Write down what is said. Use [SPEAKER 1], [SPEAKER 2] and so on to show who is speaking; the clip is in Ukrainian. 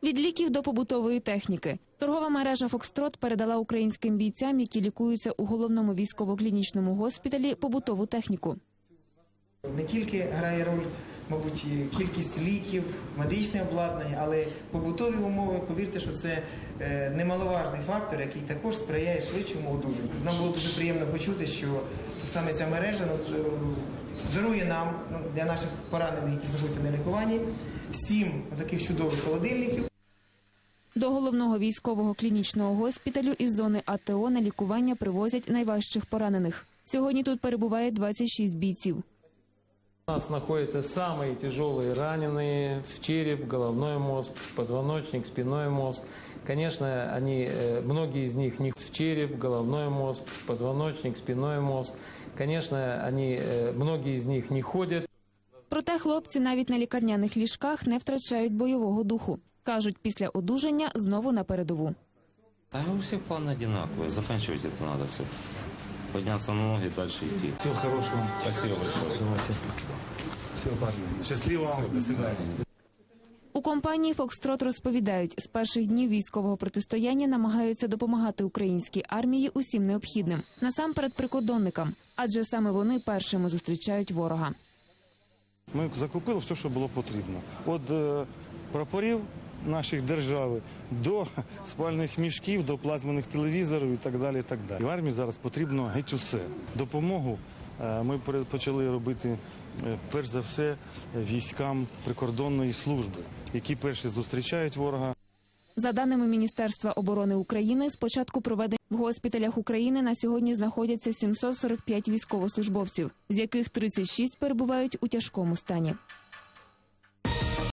[SPEAKER 1] Від ліків до побутової техніки. Торгова мережа «Фокстрот» передала українським бійцям, які лікуються у головному військово-клінічному госпіталі, побутову техніку.
[SPEAKER 2] Не тільки грає роль, мабуть, кількість ліків, медичне обладнання, але побутові умови, повірте, що це немаловажний фактор, який також сприяє швидшому одужанню. Нам було дуже приємно почути, що саме ця мережа дарує нам, для наших поранених, які знаходяться на лікуванні, 7 таких чудових холодильників.
[SPEAKER 1] До головного військового клінічного госпіталю із зони АТО на лікування привозять найважчих поранених. Сьогодні тут перебуває 26 бійців.
[SPEAKER 3] У нас находятся самые тяжелые раненые в череп, головной мозг, позвоночник, спинной мозг. Конечно, многие из них не в череп, головной мозг, позвоночник, спинной мозг. Конечно, многие из них не ходят.
[SPEAKER 1] Проте хлопці навіть на лікарняних ліжках не втрачають бойового духу. Кажуть, після одужання знову на передову.
[SPEAKER 4] Да у всех план одинаковый. Заканчивать это надо все. Подняться на ноги и дальше идти.
[SPEAKER 5] Всего хорошего.
[SPEAKER 4] Спасибо большое.
[SPEAKER 5] Давайте. Все, парни. Счастливо вам. До свидания.
[SPEAKER 1] У компанії «Фокстрот» розповідають, з перших днів військового протистояння намагаються допомагати українській армії усім необхідним. Насамперед прикордонникам, адже саме вони першими зустрічають ворога.
[SPEAKER 5] Ми закупили все, що було потрібно. Від прапорів наших держави до спальних мішків, до плазмених телевізорів і так далі. І так далі. В армії зараз потрібно геть усе. Допомогу ми почали робити, перш за все, військам прикордонної служби, які перші зустрічають ворога.
[SPEAKER 1] За даними Міністерства оборони України, з початку проведення в госпіталях України на сьогодні знаходяться 745 військовослужбовців, з яких 36 перебувають у тяжкому стані.